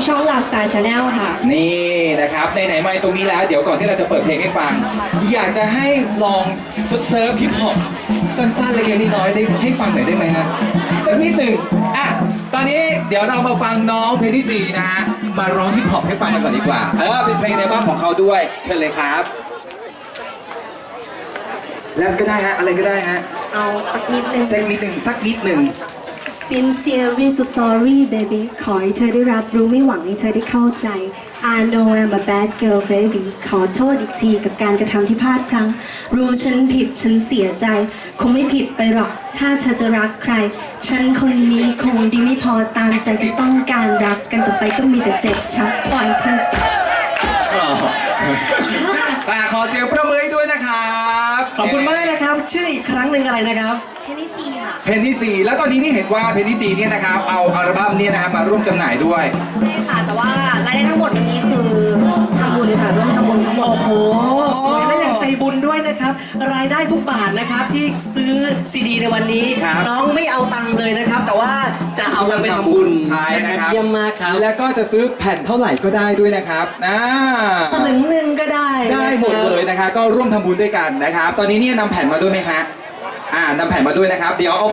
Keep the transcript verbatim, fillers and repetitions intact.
ช่อง Love Star Channel ค่ะนี่นะครับไหนๆมาตรงนี้แล้วเดี๋ยวก่อนที่เราจะเปิดเพลงให้ฟัง อยากจะให้ลองเซิร์ฟฮิปฮอปสั้นๆเล็กๆน้อยๆได้ให้ฟังหน่อยได้ไหมฮะสักนิดหนึ่งอ่ะตอนนี้เดี๋ยวเรามาฟังน้องเพลงที่สี่นะฮะมาร้องฮิปฮอปให้ฟังกันก่อนดีกว่าเออเป็นเพลงในบ้านของเขาด้วยเชิญเลยครับแล้วก็ได้ฮะอะไรก็ได้ฮะเอาสักนิดนึงสักนิดหนึ่งสักนิดหนึ่ง Sincerely so sorry baby ขอให้เธอได้รับรู้ไม่หวังให้เธอได้เข้าใจ I know I'm a bad girl baby ขอโทษอีกทีกับการกระทำที่พลาดพลั้งรู้ฉันผิดฉันเสียใจ คงไม่ผิดไปหรอกถ้าเธอจะรักใคร ฉันคนนี้คงดีไม่พอตามใจที่ต้องการรักกันต่อไปก็มีแต่เจ็บช้ำปล่อยเธอแต่ขอเสียงประมือให้ด้วยนะครับขอบคุณมากนะครับ ชื่ออีกครั้งหนึ่งอะไรนะครับเพลงที่สี่ค่ะเพลงที่สี่แล้วตอนนี้นี่เห็นว่าเพลงที่สี่เนี่ยนะครับเอาอัลบั้มเนี่ยนะครับมาร่วมจำหน่ายด้วยใช่ค่ะ แต่ว่ารายได้ทั้งหมดวันนี้คือทำบุญค่ะร่วมทำบุญทั้งหมดโอ้โห สวยและอย่างใจบุญด้วยนะครับ รายได้ทุกบาทนะครับที่ซื้อซีดีในวันนี้ครับน้องไม่เอาตังค์เลยนะครับ แต่ว่าจะเอาเงินไปทำบุญใช่นะครับเยี่ยมมากครับแล้วก็จะซื้อแผ่นเท่าไหร่ก็ได้ด้วยนะครับนะสลึงหนึ่งก็ได้ได้หมดเลยนะครับก็ร่วมทำบุญด้วยกันนะครับ ตอนนี้เนี่ยนำแผ่นมาด้วยไหมฮะอ่านำแผ่นมาด้วยนะครับเดี๋ยวเอา